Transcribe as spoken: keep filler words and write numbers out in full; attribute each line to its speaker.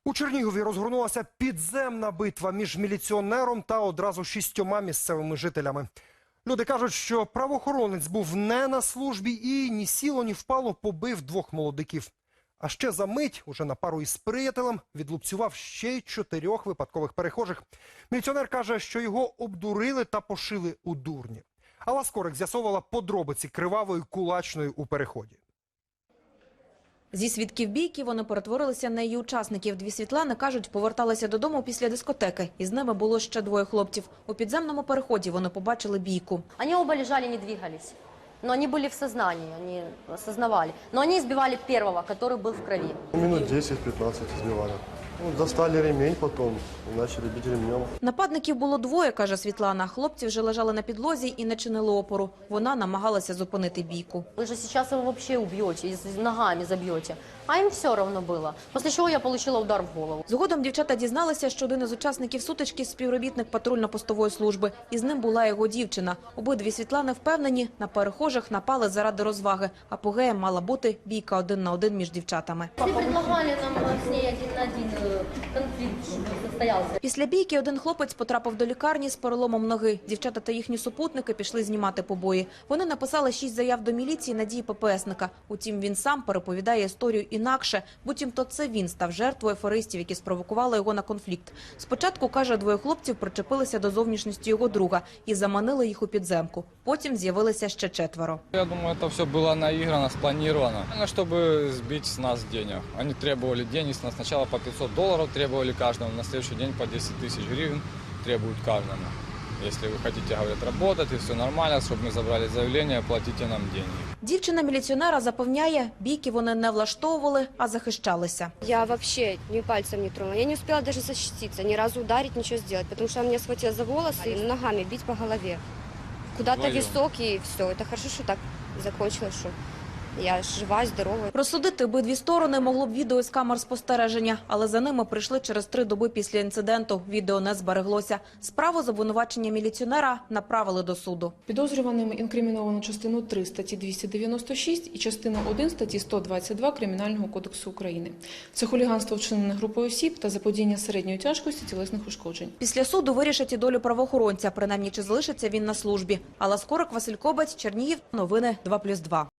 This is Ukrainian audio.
Speaker 1: У Чернігові розгорнулася підземна битва між міліціонером та одразу шістьома місцевими жителями. Люди кажуть, що правоохоронець був не на службі і ні сіло, ні впало побив двох молодиків. А ще за мить, уже на пару із приятелем, відлупцював ще й чотирьох випадкових перехожих. Міліціонер каже, що його обдурили та пошили у дурні. Алла Скорик з'ясовувала подробиці кривавої кулачної у переході.
Speaker 2: Зі свідків бійки вони перетворилися на її учасників. Дві Світлани, кажуть, поверталися додому після дискотеки. Із ними було ще двоє хлопців. У підземному переході вони побачили бійку.
Speaker 3: Они оба лежали, не двигались. Но они были в сознании, они осознавали. Но они избивали первого, который был в крови.
Speaker 4: Минут десять-пятнадцать избивали. Ну, достали ремень потом и начали бить ремнем.
Speaker 2: Нападників було двоє, каже Світлана. Хлопці вже лежали на підлозі і не чинили опору. Вона намагалася зупинити бійку.
Speaker 3: Вы же сейчас его вообще убьете, и с- ногами забьете. А им все равно было. После чего я получила удар в голову.
Speaker 2: Згодом дівчата дізналися, що один із учасників сутички – співробітник патрульно-постової служби. І з ним була його дівчина. Обидві Світлани впевнені, на перехожих напали заради розваги. Апогеєм мала бути бійка один на один між дівчатами.
Speaker 3: Все предлагали нам с ней один на один конфликт, чтобы состоялся.
Speaker 2: Після бійки один хлопець потрапив до лікарні з переломом ноги. Дівчата та їхні супутники пішли знімати побої. Вони написали шість заяв до міліції на дії ППСника. Утім, він сам переповідає історію інакше. Буцімто це він став жертвою аферистів, які спровокували його на конфлікт. Спочатку, каже, двоє хлопців причепилися до зовнішності його друга і заманили їх у підземку. Потім з'явилися ще четверо.
Speaker 5: Я думаю, это все было наиграно, спланировано, чтобы сбить с нас денег. Они требовали денег с нас. Сначала по пятьсот долларов требовали каждому, на следующий день по десять тысяч гривен требуют каждому. Если вы хотите, говорят, работать и все нормально, чтобы мы забрали заявление, платите нам деньги.
Speaker 2: Дівчина міліціонера запевняє, бійки вони не влаштовували, а захищалися.
Speaker 6: Я вообще ни пальцем не тронула. Я не успела даже защититься, ни разу ударить, ничего сделать, потому что он меня схватил за волосы и ногами бить по голове. Куда-то
Speaker 5: Вдвоем.
Speaker 6: висок, и все. Это хорошо, что так закончилось, что я жива, здорова.
Speaker 2: Розсудити обидві сторони могло б відео з камер спостереження, але за ними прийшли через три доби після інциденту. Відео не збереглося. Справу з обвинувачення міліціонера направили до суду.
Speaker 7: Підозрюваним інкриміновано частину три статті двісті дев'яносто шість і частину один статті сто двадцять два Кримінального кодексу України. Це хуліганство, вчинене групою осіб та заподіяння середньої тяжкості тілесних ушкоджень.
Speaker 2: Після суду вирішать і долю правоохоронця, принаймні чи залишиться він на службі. Алла Скорик, Василь Кобець, Чернігів, новини два плюс два.